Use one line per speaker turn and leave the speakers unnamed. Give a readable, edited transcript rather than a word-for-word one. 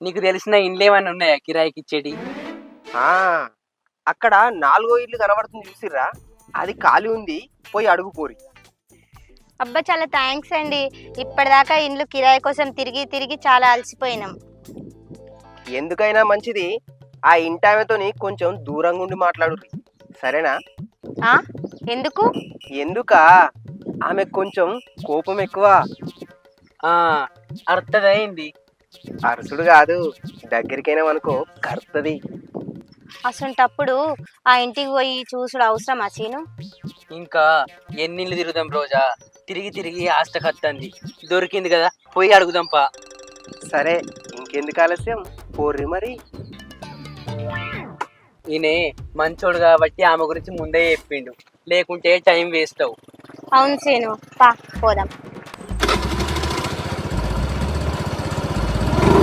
నీకు తెలిసిన ఇండ్లు ఏమైనా ఉన్నాయా కిరాయికి ఇచ్చేటి?
ఆ అక్కడ 4 ఇల్లు కనబడుతుంది చూసిర్రా, అది ఖాళీ ఉంది, పోయి అడుగు పోరి.
అబ్బా చాలా థ్యాంక్స్ అండి. ఇప్పటిదాకా ఇండ్లు కిరాయి కోసం తిరిగి తిరిగి చాలా అలసిపోయినాం.
ఎందుకైనా మంచిది ఆ ఇంటామెతోని కొంచెం దూరంగా ఉండి మాట్లాడు, సరేనా?
ఆ ఎందుకు?
ఎందుకా, ఆమె కొంచెం కోపం ఎక్కువ.
అర్థమైంది.
అరసుడు కాదు, దగ్గరికైనా అనుకో కరుతుంది.
అసంటప్పుడు ఆ ఇంటికి పోయి చూసుడు అవసరమా సీను?
ఇంకా ఎన్నిళ్ళు తిరుగుదాం రోజా, తిరిగి తిరిగి ఆస్తకత్తంది. దొరికింది కదా, పోయి అడుగుదాంపా.
సరే, ఇంకెందుకు ఆలస్యం, పోర్రి మరి.
ఈయనే మంచోడు కాబట్టి ఆమె గురించి ముందే చెప్పిండు, లేకుంటే టైం వేస్ట్ అవు.
అవును సీను, పా పోదాం.